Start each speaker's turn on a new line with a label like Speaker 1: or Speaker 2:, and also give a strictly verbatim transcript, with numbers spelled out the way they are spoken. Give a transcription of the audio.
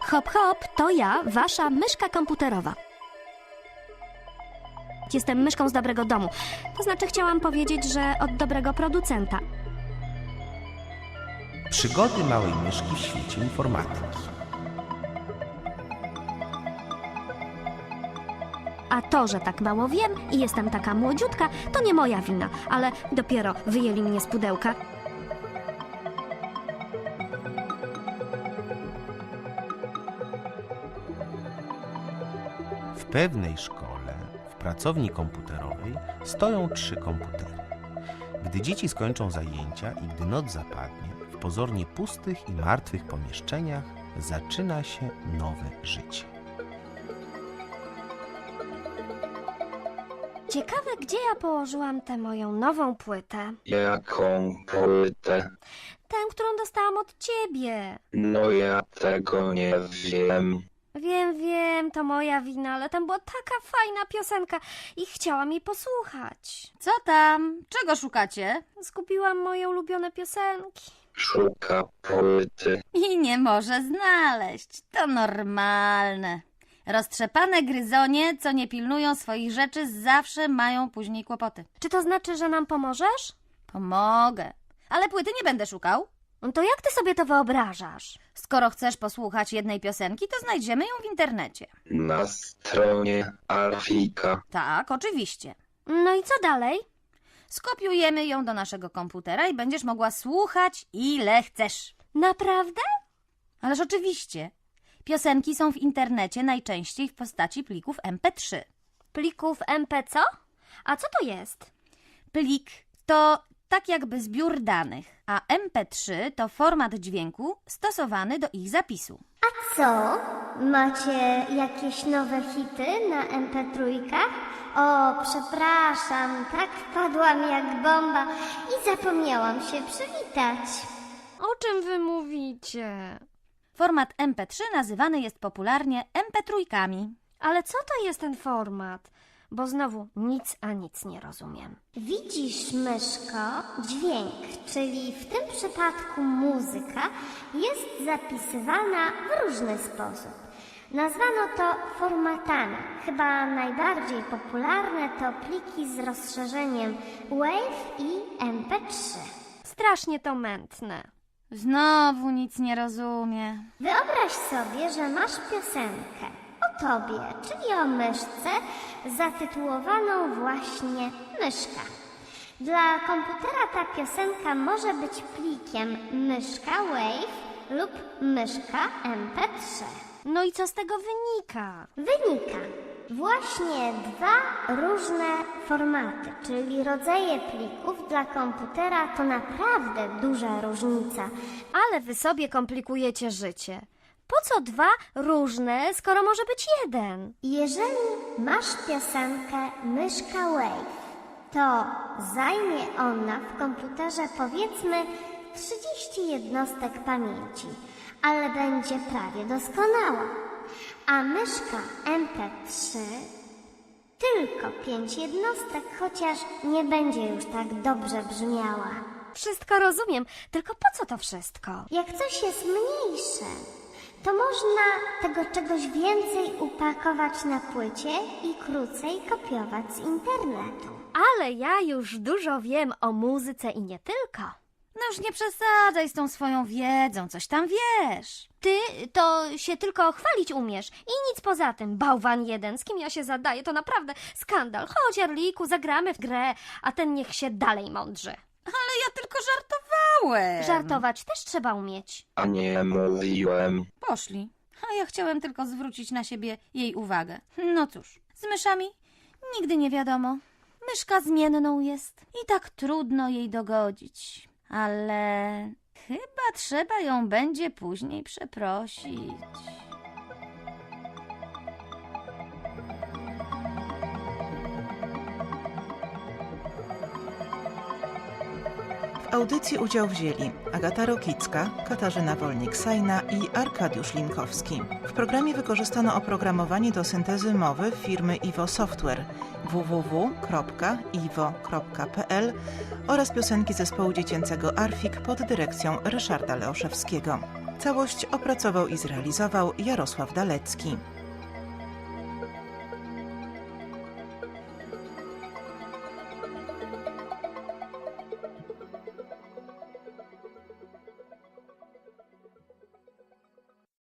Speaker 1: Hop, hop, to ja, wasza myszka komputerowa. Jestem myszką z dobrego domu. To znaczy chciałam powiedzieć, że od dobrego producenta.
Speaker 2: Przygody małej myszki w świecie informatyki.
Speaker 1: A to, że tak mało wiem i jestem taka młodziutka, to nie moja wina, ale dopiero wyjęli mnie z pudełka.
Speaker 2: W pewnej szkole, w pracowni komputerowej, stoją trzy komputery. Gdy dzieci skończą zajęcia i gdy noc zapadnie, w pozornie pustych i martwych pomieszczeniach zaczyna się nowe życie.
Speaker 1: Ciekawe, gdzie ja położyłam tę moją nową płytę.
Speaker 3: Jaką płytę?
Speaker 1: Tę, którą dostałam od ciebie.
Speaker 3: No ja tego nie wiem.
Speaker 1: Wiem, wiem, to moja wina, ale tam była taka fajna piosenka i chciałam jej posłuchać.
Speaker 4: Co tam? Czego szukacie?
Speaker 1: Zgubiłam moje ulubione piosenki.
Speaker 3: Szuka płyty.
Speaker 4: I nie może znaleźć. To normalne. Roztrzepane gryzonie, co nie pilnują swoich rzeczy, zawsze mają później kłopoty.
Speaker 1: Czy to znaczy, że nam pomożesz?
Speaker 4: Pomogę. Ale płyty nie będę szukał.
Speaker 1: No to jak ty sobie to wyobrażasz?
Speaker 4: Skoro chcesz posłuchać jednej piosenki, to znajdziemy ją w internecie.
Speaker 3: Na stronie Arfika.
Speaker 4: Tak, oczywiście.
Speaker 1: No i co dalej?
Speaker 4: Skopiujemy ją do naszego komputera i będziesz mogła słuchać ile chcesz.
Speaker 1: Naprawdę?
Speaker 4: Ależ oczywiście. Piosenki są w internecie najczęściej w postaci plików em pe trzy.
Speaker 1: Plików em pe co? A co to jest?
Speaker 4: Plik to tak jakby zbiór danych, a em pe trzy to format dźwięku stosowany do ich zapisu.
Speaker 5: A co? Macie jakieś nowe hity na em pe trzy? O, przepraszam, tak wpadłam jak bomba i zapomniałam się przywitać.
Speaker 1: O czym wy mówicie?
Speaker 4: Format em pe trzy nazywany jest popularnie em pe trzy.
Speaker 1: Ale co to jest ten format? Bo znowu nic a nic nie rozumiem.
Speaker 5: Widzisz, myszko, dźwięk, czyli w tym przypadku muzyka, jest zapisywana w różny sposób. Nazwano to formatami. Chyba najbardziej popularne to pliki z rozszerzeniem WAV i em pe trzy.
Speaker 1: Strasznie to mętne.
Speaker 4: Znowu nic nie rozumie.
Speaker 5: Wyobraź sobie, że masz piosenkę o tobie, czyli o myszce, zatytułowaną właśnie Myszka. Dla komputera ta piosenka może być plikiem myszka WAV lub myszka em pe trzy.
Speaker 1: No i co z tego wynika?
Speaker 5: Wynika właśnie dwa różne formaty, czyli rodzaje plików. Dla komputera to naprawdę duża różnica.
Speaker 1: Ale wy sobie komplikujecie życie. Po co dwa różne, skoro może być jeden?
Speaker 5: Jeżeli masz piosenkę myszka WAV, to zajmie ona w komputerze powiedzmy trzydzieści jednostek pamięci, ale będzie prawie doskonała. A myszka em pe trzy tylko pięć jednostek, chociaż nie będzie już tak dobrze brzmiała.
Speaker 1: Wszystko rozumiem, tylko po co to wszystko?
Speaker 5: Jak coś jest mniejsze, to można tego czegoś więcej upakować na płycie i krócej kopiować z internetu.
Speaker 1: Ale ja już dużo wiem o muzyce i nie tylko.
Speaker 4: No już nie przesadzaj z tą swoją wiedzą, coś tam wiesz.
Speaker 1: Ty to się tylko chwalić umiesz i nic poza tym. Bałwan jeden, z kim ja się zadaję, to naprawdę skandal. Chodź, Arliku, zagramy w grę, a ten niech się dalej mądrzy.
Speaker 4: Ale ja tylko żartowałem.
Speaker 1: Żartować też trzeba umieć.
Speaker 3: A nie mówiłem.
Speaker 4: Poszli. A ja chciałem tylko zwrócić na siebie jej uwagę. No cóż, z myszami nigdy nie wiadomo. Myszka zmienną jest i tak trudno jej dogodzić. Ale chyba trzeba ją będzie później przeprosić.
Speaker 6: W audycji udział wzięli Agata Rokicka, Katarzyna Wolnik-Sajna i Arkadiusz Linkowski. W programie wykorzystano oprogramowanie do syntezy mowy firmy Iwo Software w w w kropka iwo kropka p l oraz piosenki zespołu dziecięcego Arfik pod dyrekcją Ryszarda Leoszewskiego. Całość opracował i zrealizował Jarosław Dalecki.